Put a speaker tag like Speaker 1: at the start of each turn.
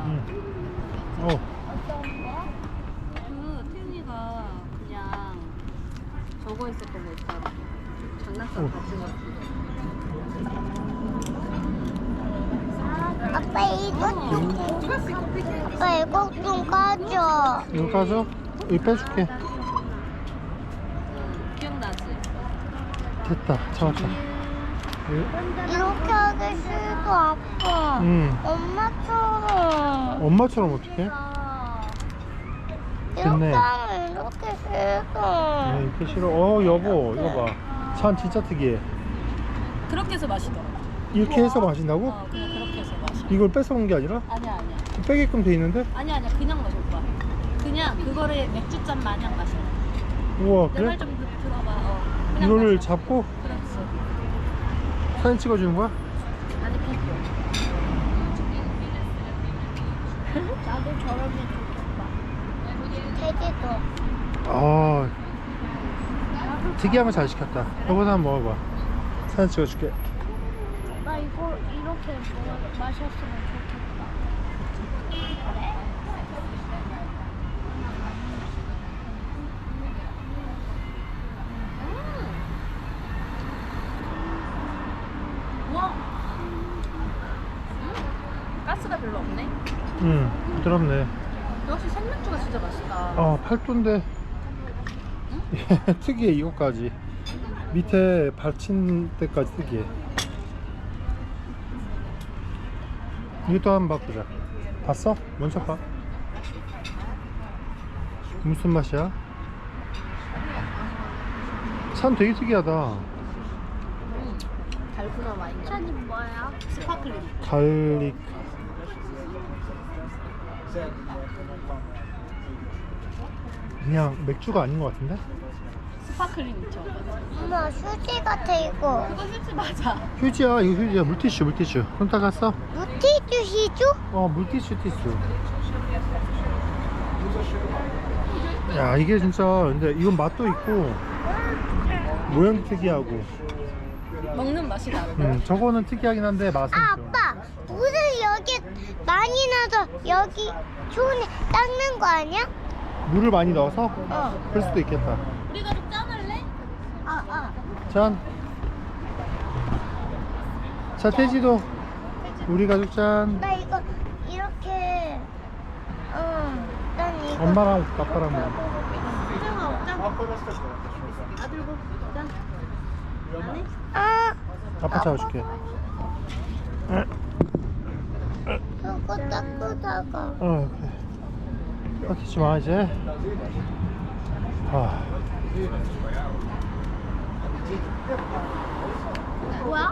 Speaker 1: 어.
Speaker 2: 그 태윤이가 그냥 저거 했었던 거 있잖아. 장난감 가진 거.
Speaker 3: 아빠 이거 좀 까줘.
Speaker 1: 이거 까줘? 이거 빼줄게.
Speaker 2: 기억나지?
Speaker 1: 됐다. 잡았다.
Speaker 3: 이렇게 하기 싫어 아빠. 엄마처럼.
Speaker 1: 엄마처럼 어떡해? 됐네.
Speaker 3: 이렇게 하면 이렇게 싫어.
Speaker 1: 이렇게 싫어. 여보, 이거 봐. 찬 진짜 특이해.
Speaker 2: 그렇게 해서 마시더라.
Speaker 1: 이렇게 해서 마신다고?
Speaker 2: 그냥 그렇게 해서 마셔.
Speaker 1: 이걸 뺏어온 게 아니라?
Speaker 2: 아니야.
Speaker 1: 빼게끔 돼 있는데?
Speaker 2: 아니야. 그냥 마실 거야. 그냥 그거를 맥주잔 마냥 마셔.
Speaker 1: 우와,
Speaker 2: 내
Speaker 1: 그래?
Speaker 2: 말 좀 들어봐. 그냥
Speaker 1: 이거를
Speaker 2: 마셔.
Speaker 1: 잡고
Speaker 2: 그렇지.
Speaker 1: 사진 찍어주는 거야?
Speaker 2: 아니 비디오.
Speaker 3: 나도 저러면 좋겠다. 돼지도.
Speaker 1: 아, 특이한 거 잘 시켰다. 여보도 한번 먹어봐. 사진 찍어줄게.
Speaker 3: 나 이거 이렇게 마셨으면 좋겠다. 그래?
Speaker 2: 우와. 가스가 별로 없네.
Speaker 1: 부드럽네.
Speaker 2: 역시 생맥주가 진짜 맛있다.
Speaker 1: 팔도인데 특이해. 이거까지 밑에 받친 데까지 특이해. 이것도 한번 바꾸자. 봤어? 먼저 봐. 무슨 맛이야? 산 되게 특이하다.
Speaker 2: 달고나 와인.
Speaker 3: 찬이 뭐야?
Speaker 2: 스파클링.
Speaker 1: 갈릭. 그냥 맥주가 아닌 것 같은데?
Speaker 2: 스파클링 있죠.
Speaker 3: 엄마 휴지 같아 이거.
Speaker 2: 그거 휴지 맞아.
Speaker 1: 휴지야, 이거 휴지야. 물티슈. 손 닦았어?
Speaker 3: 물티슈 시주?
Speaker 1: 물티슈. 야, 이게 진짜 근데 이건 맛도 있고 모양도 특이하고.
Speaker 2: 먹는 맛이 나는.
Speaker 1: 저거는 특이하긴 한데 맛은
Speaker 3: 아
Speaker 1: 좀.
Speaker 3: 아빠 물을 여기 많이 넣어서 여기 손에 닦는 거 아니야?
Speaker 1: 물을 많이 넣어서?
Speaker 3: 어.
Speaker 1: 그럴 수도 있겠다.
Speaker 2: 우리 가족 짠할래?
Speaker 1: 짠. 자, 태지도 우리 가족 짠.
Speaker 3: 나 이거 이렇게 난 이거
Speaker 1: 엄마랑 아빠랑 먹어.
Speaker 2: 수정아 짠. 아들고 짠. 안 해?
Speaker 3: 아
Speaker 1: 아빠 잡아줄게.
Speaker 3: 그거 닦고다가
Speaker 1: 그래. 닦이지 마 이제.
Speaker 3: 뭐야?